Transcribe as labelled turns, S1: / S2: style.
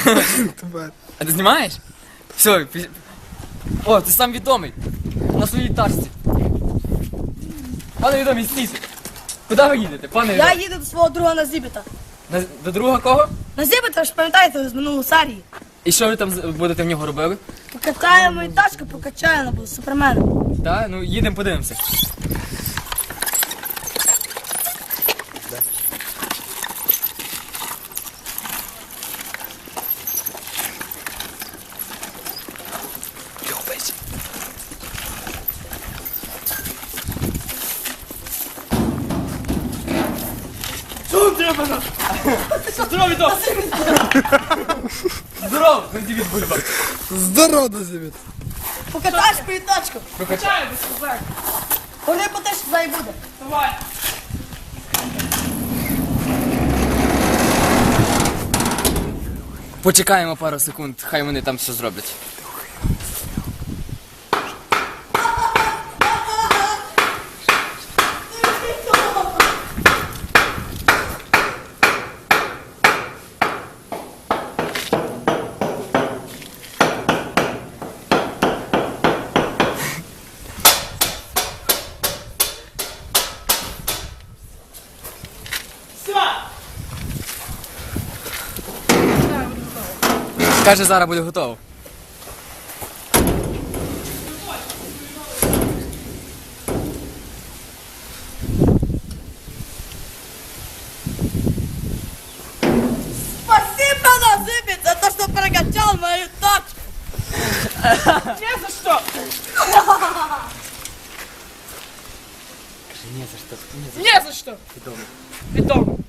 S1: А ти знімаєш? Все, о, ти сам відомий. На своїй тачці. Пане відомий, стійте. Куди ви їдете, пане
S2: Я
S1: відомий?
S2: їду до свого друга на Зібіта.
S1: До друга кого?
S2: На Зібіта, ж пам'ятаєте, з минулої серії.
S1: І що ви там будете в нього робили?
S2: Покатаємо і тачку покачаємо, буде суперменом.
S1: Так, ну їдемо подивимося. Що треба нас? Здорово, Віток! Здорово, Назівіт Бульба.
S3: Здорово, Назівіт.
S2: Покатаєш і тачку.
S1: Прокачай.
S2: Вони по те, що і буде.
S1: Давай. Почекаємо пару секунд, хай вони там все зроблять. Каже, зараз буде готово.
S2: Спасибо, Назибіт, за те, що прокачав мою тачку.
S1: Не за що! Не за що.
S4: Не за что.
S1: Відомо.
S4: Відомо.